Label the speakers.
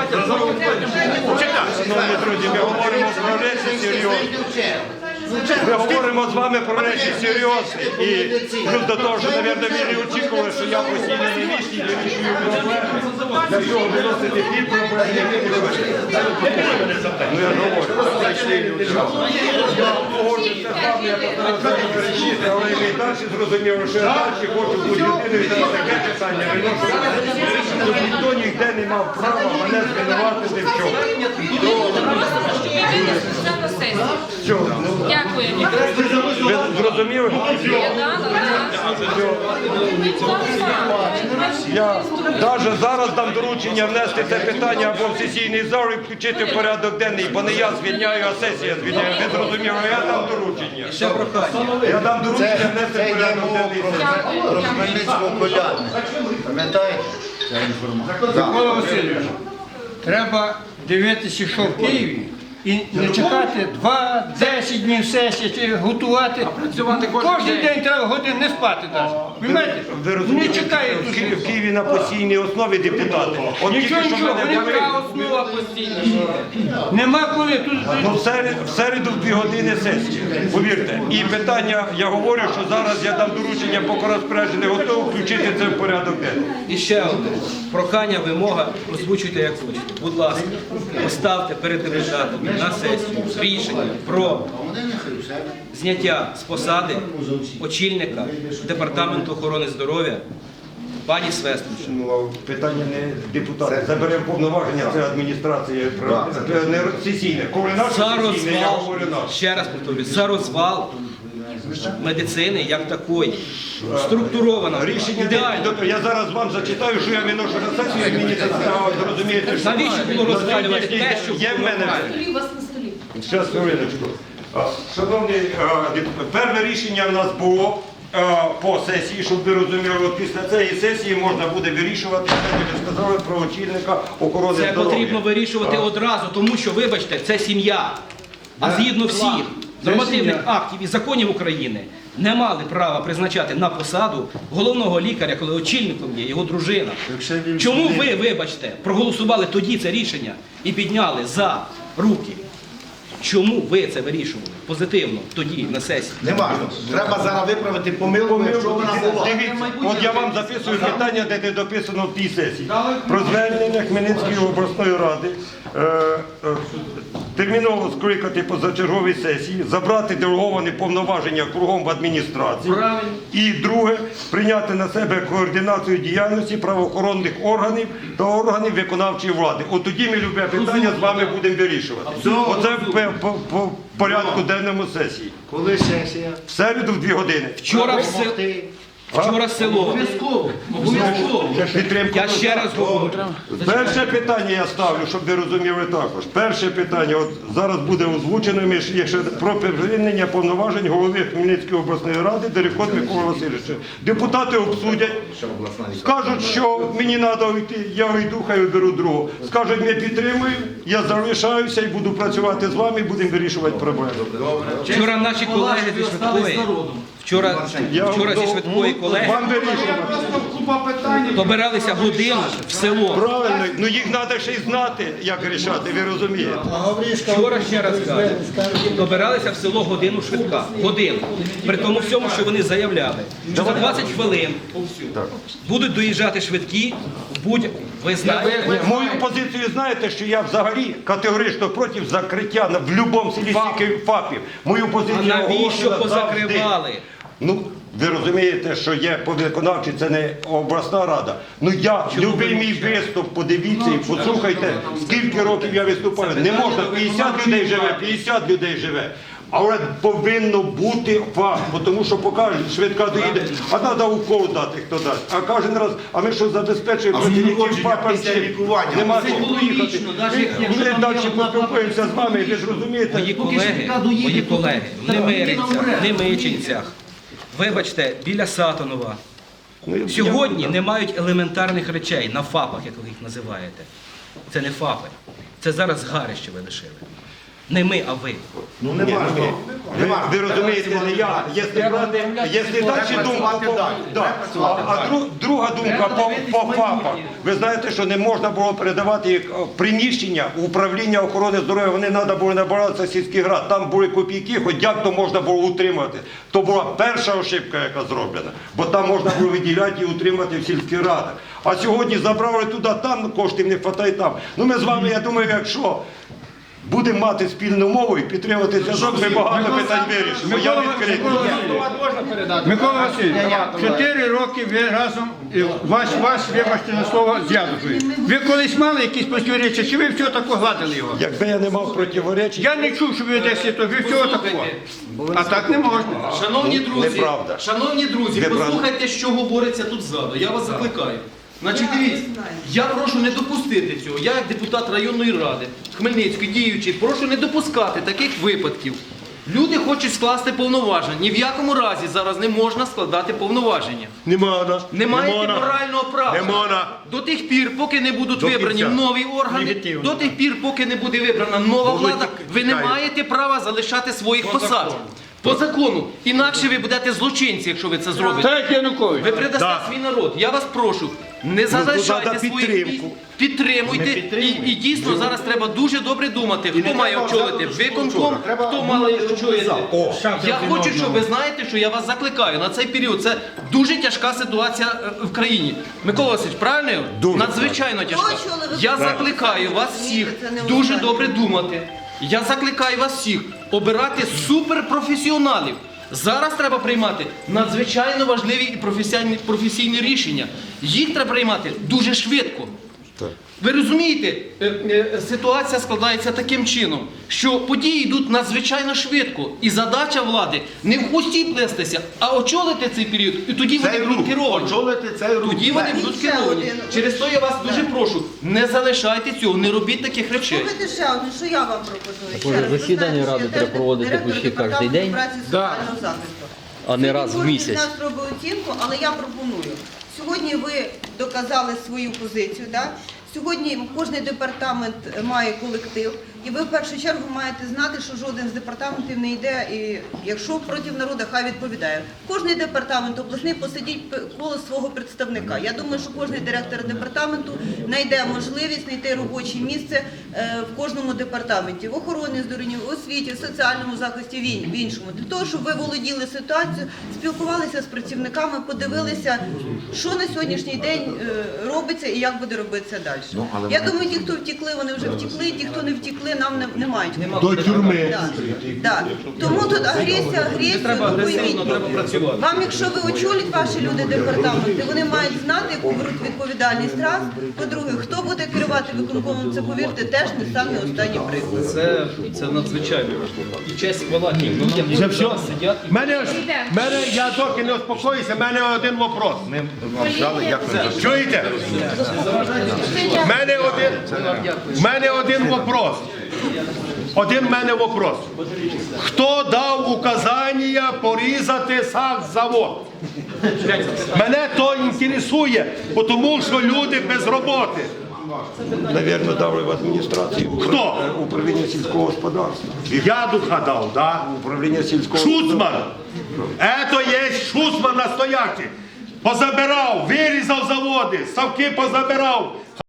Speaker 1: Шановні друзі, ми говоримо про речі серйозні. Ми говоримо з вами про речі серйозні. І плюс до того, що, мабуть, ви не очікували, що я постійно не вічний, я вирішую проблеми. Для цього виносити ті проблеми, які ви хочете. Ну, я говорю. Я погоджуся з вами, я постараюся перечити, але ми далі зрозуміло, що я далі хочу бути людиною, і таке питання виносити. Щоб ніхто ніде не мав права мене звинуватити в чому.
Speaker 2: Дякую.
Speaker 1: Ви зрозуміли? Я навіть зараз дам доручення внести це питання або в сесійний зал і включити в порядок денний, бо не я звільняю, а сесія звільняє. Ви зрозуміли? Я дам доручення. Я дам доручення внести в порядок денний.
Speaker 3: Про Хмельницького Поляни. Пам'ятаєте? Ця інформація.
Speaker 4: Микола Васильович, треба дивитися, що в Києві, і не чекати 2-10 днів сесії, чи готувати. Кожен день треба годин не спати навіть.
Speaker 1: Ви
Speaker 4: Не
Speaker 1: розумієте,
Speaker 4: чекає
Speaker 1: в Києві на постійній основі депутати. От тільки що мене були.
Speaker 4: Нема коли.
Speaker 1: Ну, в середу в 2 години сесії, повірте. І питання, я говорю, що зараз я дам доручення поки розпорядження готово включити це в порядок денний.
Speaker 5: І ще одне. Прохання, вимога, озвучуйте як хочете. Будь ласка, поставте перед депутатами на сесію рішення про зняття з посади очільника Департаменту охорони здоров'я пані Свестовича.
Speaker 1: Ну, питання не депутати. Заберемо повноваження, це адміністрація, не сесійне. Коли наше
Speaker 5: За
Speaker 1: сесійне, я
Speaker 5: розвал,
Speaker 1: говорю наше.
Speaker 5: ще раз повторюю, за розвал медицини як такої. Структуровано,
Speaker 1: Рішення
Speaker 5: ідеально.
Speaker 1: я зараз вам зачитаю, що я виношу на сесію, і мені це цікаво, зрозумієте, що
Speaker 5: Навіщо було розвалювати те, що
Speaker 1: є в мене.
Speaker 2: У вас на столі.
Speaker 1: Зараз, хвилиночку. Шановні, перше рішення в нас було по сесії, щоб ви розуміли, от після цієї сесії можна буде вирішувати, як ви сказали, про очільника охорони здоров'я.
Speaker 5: Це потрібно вирішувати одразу, тому що, вибачте, це сім'я. А згідно всіх нормативних актів і законів України не мали права призначати на посаду головного лікаря, коли очільником є його дружина. Чому ви, вибачте, проголосували тоді це рішення і підняли за руки? Чому ви це вирішували позитивно тоді на сесії?
Speaker 3: Не важливо. Треба зараз виправити помилку, якщо вона була.
Speaker 1: Дивіться, от я вам записую питання, де не дописано в тій сесії. Про звернення Хмельницької обласної ради терміново скликати позачергові сесії, забрати делеговані повноваження кругом в адміністрації. І друге, прийняти на себе координацію діяльності правоохоронних органів та органів виконавчої влади. От тоді ми любе питання з вами будемо вирішувати. Оце по порядку денному сесії.
Speaker 3: Коли сесія?
Speaker 1: В середу в 2 години.
Speaker 5: Вчора село.
Speaker 1: Підтримку.
Speaker 5: Я ще раз говорю.
Speaker 1: Перше питання я ставлю, щоб ви розуміли також. Перше питання, от зараз буде озвучено, якщо про припинення повноважень голови Хмельницької обласної ради Дерехот Миколи Васильовича. Депутати обсудять, скажуть, що мені треба йти, я йду, хай оберу другого. Скажуть, ми підтримуємо, я залишаюся і буду працювати з вами, і будемо вирішувати проблеми.
Speaker 5: Вчора наші колеги зі швидкої, вчора зі швидкої колеги
Speaker 1: Вам вирішувати.
Speaker 5: добиралися годину в село.
Speaker 1: Правильно, ну їх треба ще й знати, як рішати, ви розумієте.
Speaker 5: Вчора, ще раз кажу, добиралися в село годину швидка. Годину. При тому всьому, що вони заявляли, що за 20 хвилин будуть доїжджати швидкі, ви знаєте.
Speaker 1: Мою позицію знаєте, що я взагалі категорично проти закриття в будь-якому селі стільки ФАПів. Мою позицію
Speaker 5: А навіщо
Speaker 1: оголошено
Speaker 5: позакривали?
Speaker 1: завжди. Ну, ви розумієте, що є виконавчі, це не обласна рада. Ну я, любий мій виступ, подивіться і послухайте, скільки років я виступаю. Не можна, 50 людей живе, 50 людей живе. Але повинно бути факт, тому що покажуть, швидка доїде, а треба укол дати, хто дасть. А кожен раз, а ми що забезпечуємо працівників ФАПа після лікування? Нема чого поїхати. Ми далі поспілкуємося з вами, ви ж розумієте?
Speaker 5: Мої колеги в Немирицях, Немичинцях, вибачте, біля Сатонова, сьогодні не мають елементарних речей на ФАПах, як ви їх називаєте. Це не ФАПи. Це зараз згарище ви лишили. Не ми, а ви.
Speaker 3: Ну не важливо.
Speaker 1: Ви розумієте, не я. Якщо далі думка, друга думка по ФАПах. Ви знаєте, що не можна було передавати їх приміщення управління охорони здоров'я, вони треба було набиратися сільських рад. Там були копійки, хоч як то можна було утримати. То була перша ошибка, яка зроблена, бо там можна було виділяти і утримати в сільських радах. А сьогодні забрали туди, там коштів не вистачає там. Ну ми з вами, я думаю, якщо будемо мати спільну мову і підтримувати зв'язок, ми багато питань вирішимо. Я відкритий.
Speaker 4: Микола Васильович, 4 роки ви разом, вас, вибачте на слово, зв'язкою. Ви колись мали якісь протиріччя, чи ви все тако гладили його?
Speaker 1: Якби я не мав противоречень,
Speaker 4: Я не чув, що ви десь то, ви всього такого. А так не можна.
Speaker 2: Шановні друзі,
Speaker 1: Неправда.
Speaker 2: шановні друзі,
Speaker 1: Неправда.
Speaker 2: послухайте, що говориться тут ззаду. Я вас закликаю. Значить, дивіться, я прошу не допустити цього. Я, як депутат районної ради Хмельницької діючий, прошу не допускати таких випадків. Люди хочуть скласти повноваження. Ні в якому разі зараз не можна складати повноваження.
Speaker 6: Не можна.
Speaker 2: Не маєте морального права.
Speaker 6: Не можна.
Speaker 2: До тих пір, поки не будуть
Speaker 6: До
Speaker 2: вибрані
Speaker 6: кінця.
Speaker 2: нові органи, до тих пір, поки не буде вибрана нова влада, ви не маєте права залишати своїх посад. По закону. Інакше ви будете злочинці, якщо ви це зробите.
Speaker 4: Так, Янукович.
Speaker 2: Ви предасте
Speaker 6: Да.
Speaker 2: свій народ. Я вас прошу, не залишайте
Speaker 1: надо
Speaker 2: своїх місць,
Speaker 1: підтримку.
Speaker 2: підтримуйте. І дійсно зараз треба дуже добре думати, хто має очолити виконком, хто має очолити. Я хочу, щоб ви знаєте, що я вас закликаю на цей період. Це дуже тяжка ситуація в країні. Микола Васильович, правильно? Надзвичайно тяжка. Я закликаю вас всіх дуже добре думати. Я закликаю вас всіх обирати суперпрофесіоналів. Зараз треба приймати надзвичайно важливі і професійні рішення. Їх треба приймати дуже швидко. Ви розумієте, ситуація складається таким чином, що події йдуть надзвичайно швидко. І задача влади не в хвості плестися, а очолити цей період. І тоді вони будуть керовані.
Speaker 3: Очолити цей рух.
Speaker 2: Тоді вони будуть керовані. Через то я вас дуже прошу, не залишайте цього, не робіть таких речей.
Speaker 7: Слухайте ще одне, що я вам пропоную. Ще
Speaker 8: Боже,
Speaker 7: раз, ви
Speaker 8: засідання
Speaker 7: знаєте, що
Speaker 8: ради
Speaker 7: я
Speaker 8: треба
Speaker 7: теж
Speaker 8: проводити
Speaker 7: директор
Speaker 8: почти
Speaker 7: департаменту
Speaker 8: кожен день.
Speaker 7: праці і соціального захисту.
Speaker 8: А не раз в
Speaker 7: Кожен
Speaker 8: місяць.
Speaker 7: з нас робить оцінку, але я пропоную. Сьогодні ви доказали свою позицію, так? Сьогодні кожен департамент має колектив, і ви в першу чергу маєте знати, що жоден з департаментів не йде, і якщо проти народу, хай відповідає. Кожен департамент обласний посидіть коло свого представника. Я думаю, що кожен директор департаменту знайде можливість знайти робоче місце в кожному департаменті, в охороні здоров'я, в освіті, в соціальному захисті, в іншому. Для того, щоб ви володіли ситуацією, спілкувалися з працівниками, подивилися, що на сьогоднішній день робиться і як буде робитися далі. Я думаю, ті, хто втекли, вони вже втекли, ті, хто не втекли, нам не мають.
Speaker 6: До тюрми.
Speaker 7: Да. Тому тут агресія,
Speaker 2: Треба
Speaker 7: ну,
Speaker 2: агресивно,
Speaker 7: пойміть.
Speaker 2: треба працювати.
Speaker 7: Вам, якщо ви очолять ваші люди департаменти, вони мають знати, яку беруть відповідальність раз. По-друге, хто буде керувати виконкомом, це, повірте, теж не самі останні приклад.
Speaker 2: Це надзвичайно важливо. І честь хвала тим людям, які
Speaker 6: Це все.
Speaker 2: зараз сидять.
Speaker 6: Я доки не успокоюся, в мене один вопрос. Чуєте? В мене один вопрос. Один в мене вопрос. Хто дав указання порізати сахзавод? Мене то інтересує, тому що люди без роботи.
Speaker 1: навірно, дали в адміністрацію.
Speaker 6: Хто?
Speaker 1: Управління сільського господарства.
Speaker 6: Ядуха дав, да?
Speaker 1: Управління сільського
Speaker 6: Шуцман. Это є Шуцман настоящий. Позабирав, вирізав заводи, ставки позабирав.